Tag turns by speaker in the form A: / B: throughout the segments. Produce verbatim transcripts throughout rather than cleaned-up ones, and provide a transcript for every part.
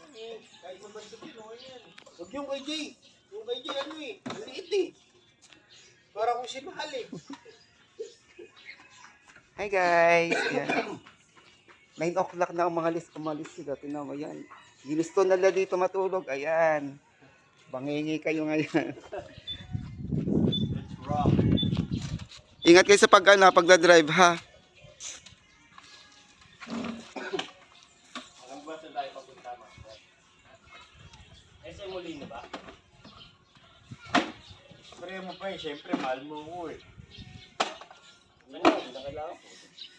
A: Kahit mabansot yun, okay yan. Huwag yung kay Jay. Yung kay Jay, ano eh, ang liit eh. Para kung si Mahal eh.
B: Hi guys! Yan. nine o'clock na ang mga lis, umalis sila. Tinan mo yan. Ginusto na nila dito matulog. Ayan. Bangingi kayo ngayon.
A: Let's rock.
B: Ingat kayo sa pag, ano, pagdadrive ha.
A: Hanggang ba saan tayo papunta, Master? S M Molina ba? Spray mo pa eh, syempre mahal mo ko eh. Ano yun? Hindi na kailangan po.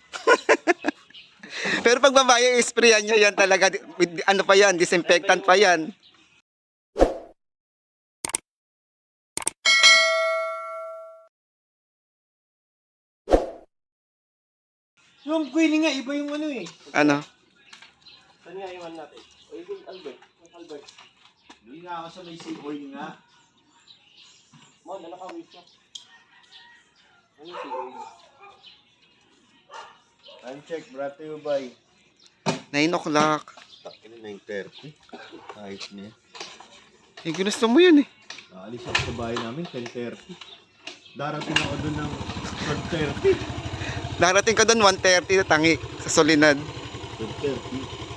B: Pero pag babae, isprayan nyo yan talaga. With, ano pa yan, disinfectant pa yan.
A: Yung Queenie nga, iba yung ano eh.
B: Ano?
A: Saan nga iwan natin? O yung Albert. Yung Albert. Doon nga ako sa may seaboy nga. Mon, ano ka wish mo? Ano yung seaboy? Time check, brought to you by
B: nine o'clock.
A: Takin na nine thirty. Ayos niya.
B: Eh, ginusto mo yun eh.
A: Naalis ako sa bahay namin, ten thirty. Darating ako doon ng twelve thirty.
B: Darating ka doon one thirty na tangi sa Solinad.
A: twelve thirty.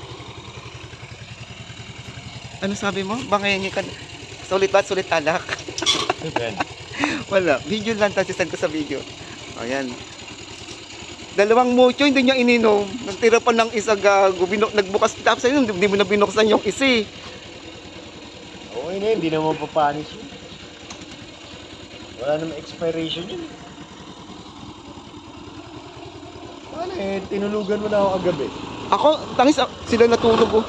B: Ano sabi mo? Bangingi ka. Sulit ba? Sulit alak.
A: Seven.
B: Wala. Video lang. Tapos send ko sa video. Ayan. Dalawang mucho, hindi niya ininom. Nagtira pa ng isa gago. Binok, nagbukas tapos sa'yo, hindi mo na binuksan yung isi.
A: Okay na yun, hindi naman papanis yun. Wala naman expiration yun. Paano eh, tinulugan mo na ako kagabi.
B: Ako, tangis, ah, sila natulog oh.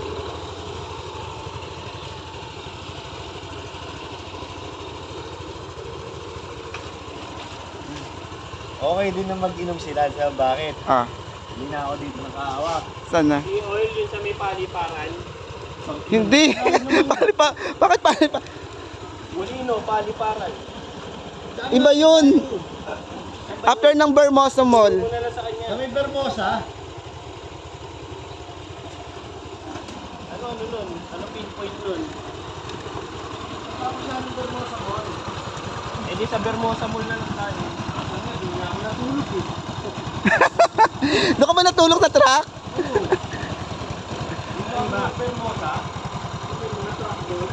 A: Okay din na mag-inom sila. Sa bakit?
B: Ah,
A: Hindi na ako dito nakahawak.
B: saan na?
A: Yung oil yun sa may paliparan.
B: Hindi. Pali pa, bakit pali pa?
A: Molino, paliparan.
B: Iba yun. After ng Bermosa Mall.
A: Muna lang sa kanya. Sa may Bermosa? Ano, ano nun? Ano pinpoint nun? Tapos sa ano Bermosa Mall? Eh di sa Bermosa Mall na lang tayo. Ano, di na ako natulog eh.
B: Doon ka ba natulog sa truck?
A: Di ba ba? Bermosa? Hindi mo na-truck doon.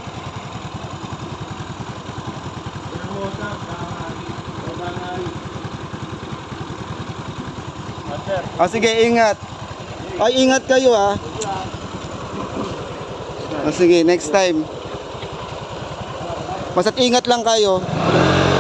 A: Bermosa, Bangari. O Bangari. Master.
B: Ah, sige, ingat. Ay, ingat kayo ah. Ah, sige, next time. Basta't ingat lang kayo.